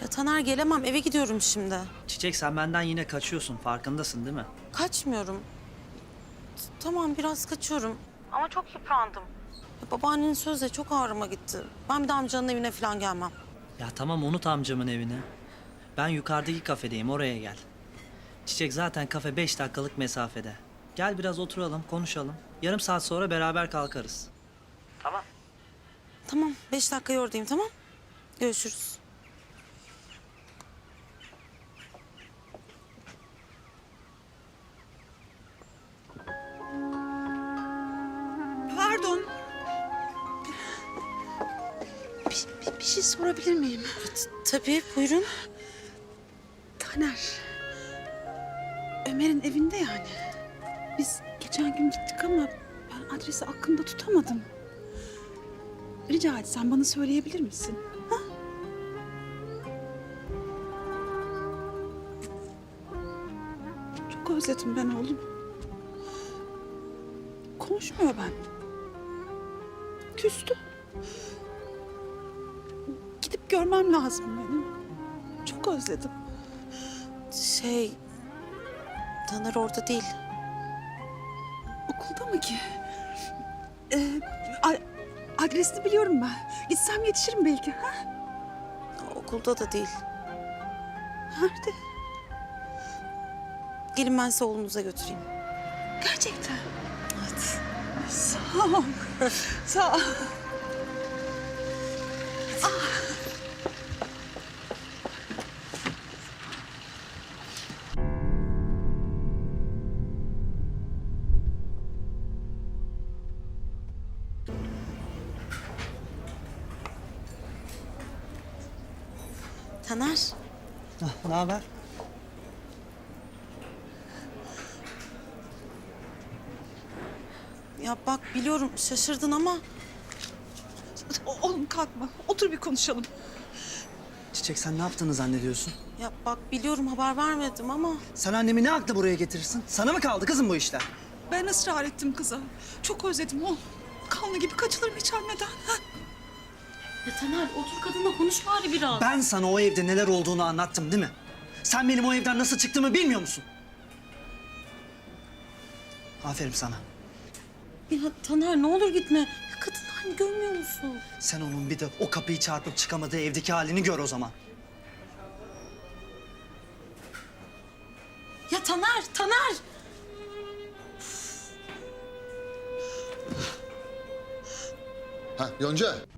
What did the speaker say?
Ya Taner gelemem, eve gidiyorum şimdi. Çiçek, sen benden yine kaçıyorsun, farkındasın değil mi? Kaçmıyorum. Tamam, biraz kaçıyorum. Ama çok yıprandım. Ya babaannenin sözü de çok ağrıma gitti. Ben bir de amcanın evine falan gelmem. Ya tamam, unut amcamın evini. Ben yukarıdaki kafedeyim, oraya gel. Çiçek, zaten kafe 5 dakikalık mesafede. Gel biraz oturalım, konuşalım. Yarım saat sonra beraber kalkarız. Tamam. Tamam, 5 dakika oradayım, tamam? Görüşürüz. Pardon. Bir şey sorabilir miyim? Tabii, buyurun. Taner. Ömer'in evinde yani. Biz geçen gün gittik ama ben adresi aklımda tutamadım. Rica etsem bana söyleyebilir misin? Ha? Çok özledim ben oğlum. Konuşmuyor ben. Küstü. Gidip görmem lazım benim. Çok özledim. Taner orada değil. Okulda mı ki? Adresini biliyorum ben. Gitsem yetişirim belki. Ha? Okulda da değil. Nerede? Gelin ben size oğlunuza götüreyim. Gerçekten. Evet. Sağ ol. Sağ ol. Taner, Ne haber? ya bak biliyorum şaşırdın ama... Oğlum kalkma. Otur bir konuşalım. Çiçek, sen ne yaptığını zannediyorsun? Ya bak biliyorum haber vermedim ama... Sen annemi ne akla buraya getirirsin? Sana mı kaldı kızım bu işler? Ben ısrar ettim kıza. Çok özledim oğlum. Kanlı gibi kaçılır mı hiç anneden? Ha? Ya Taner otur kadınla konuş bari biraz. Ben sana o evde neler olduğunu anlattım değil mi? Sen benim o evden nasıl çıktığımı bilmiyor musun? Aferin sana. Ya Taner ne olur gitme. Ya kadın halini görmüyor musun? Sen onun bir de o kapıyı çarpıp çıkamadığı evdeki halini gör o zaman. Ya Taner! Ha Yonca.